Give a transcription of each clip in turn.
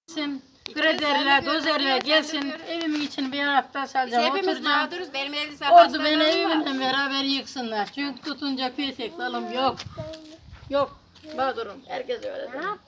Gelsin, graderler, dozerler gelsin, evimin içini bir hafta salacağım, Hepimiz oturacağım. mağduruz. Benim evde Orada beni evimle beraber yıksınlar. Çünkü tutunca petek dalım yok. Yok, mağdurum. Herkes öyle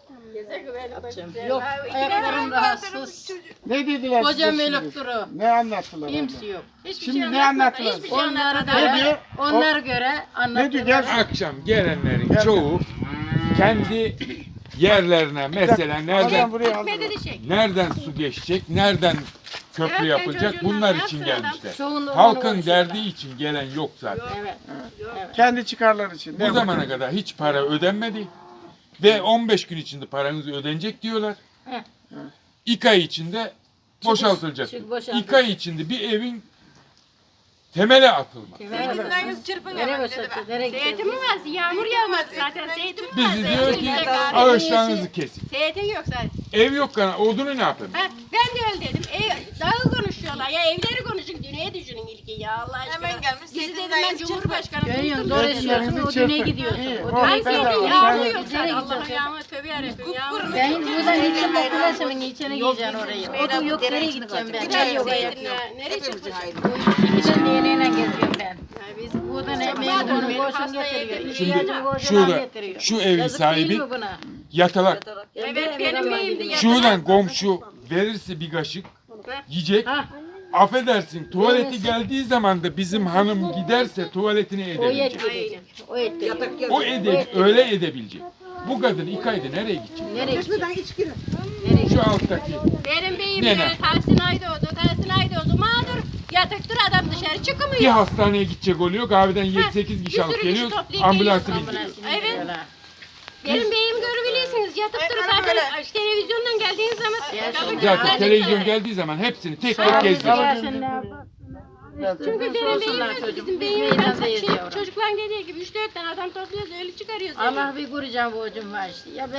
der. Yok, ayaklarım rahatsız. Ne dediler Kocam size şimdi? elektro. Ne anlattılar? Kimse yok. Şimdi ne anlattılar? Onlara Ne diyor? göre, onlara göre Ne diyor? Gel. anlatıyorlar. Akşam gelenlerin Gel. çoğu kendi yerlerine mesela Adam buraya aldı. nereden su geçecek, nereden köprü Evet, yapılacak çocuğundan bunlar ne için yapsın gelmişler. Çoğunluğu onu Halkın konuşuyorlar. derdi için gelen yok zaten. Evet. Kendi çıkarları için. Bu zamana kadar hiç para ödenmedi ve 15 gün içinde paranız ödenecek diyorlar. Heh. 2 ay içinde boşaltılacak. çık boşaltılacak. 2 ay içinde bir evin temeli atılmaz. Zeytinleriniz çırpın Nereye ama. boşaltacak? Nereye Zeytin mi gideceğiz? var? Yağmur yağmadı zaten. Zeytin mi var? Bizi diyor Zeytin ki yok. ağaçlarınızı kesin. Zeytin yok zaten. Ev yok kana odunu ne yapayım? Ha, ben de öyle dedim. Dağı konuşuyorlar. Ya evleri konuşun. Dünyayı düşünün ilki ya Allah aşkına. Hemen gelmiş, Bizi dedim zeytinler ben Cumhurbaşkanı. Görüyorsun, tuttum. zor ediyorsun, o düne gidiyorsun. İyi, O o düne Ay bedava. zeytin gidiyorsun. yağmur Sen- yok Nereye zaten. Allah'ım gideceksin? yağmur tövbe yarabbim yağmur. Ben buradan gideceğim okulasının içine gideceğim oraya. Odun yok, nereye gideceğim ben? Çay yok, ayak yok. Zeytinler nereye çıkmış? İkiden diğerine geziyorum ben. Ya biz Buradan ekmeğimi bunu boşun getiriyor. Şimdi İhtiyacımı boşuna şurada getiriyor. şu evin Yazık sahibi değil mi buna? yatalak. Evet benim beyimdi ya. Şuradan komşu verirse bir kaşık yiyecek. Ha, Affedersin tuvaleti geldiği zaman da bizim hanım giderse tuvaletini o edebilecek. yetecek. O yetecek. O öyle edebilecek. Bu kadın 2 ayda nereye gidecek? Nereye gidecek? Şu alttaki. Benim beyim Nene. de Tahsin Aydoğdu. Tahsin Aydoğdu mağdur. Yatıktır adam dışarı Bir çıkmıyor. hastaneye gidecek oluyor. Kahveden 7-8 bir kişi alıp sürü kişi geliyoruz. toplayıp Ambulansı geliyoruz. bindiriyoruz. Evet. Benim beyim görebilirsiniz. Yatıktır zaten televizyondan geldiğiniz zaman. Zaten televizyon geldiği zaman hepsini tek tek gezdiriyor. Gelsin ne yapar? Çünkü benim Sorsunlar beyim çocuk. bizim Biz beyim meydandayız yavrum. çocukların dediği gibi 3-4 tane adam topluyoruz öyle çıkarıyoruz. Allah bir kuracağım borcum var işte. Ya ben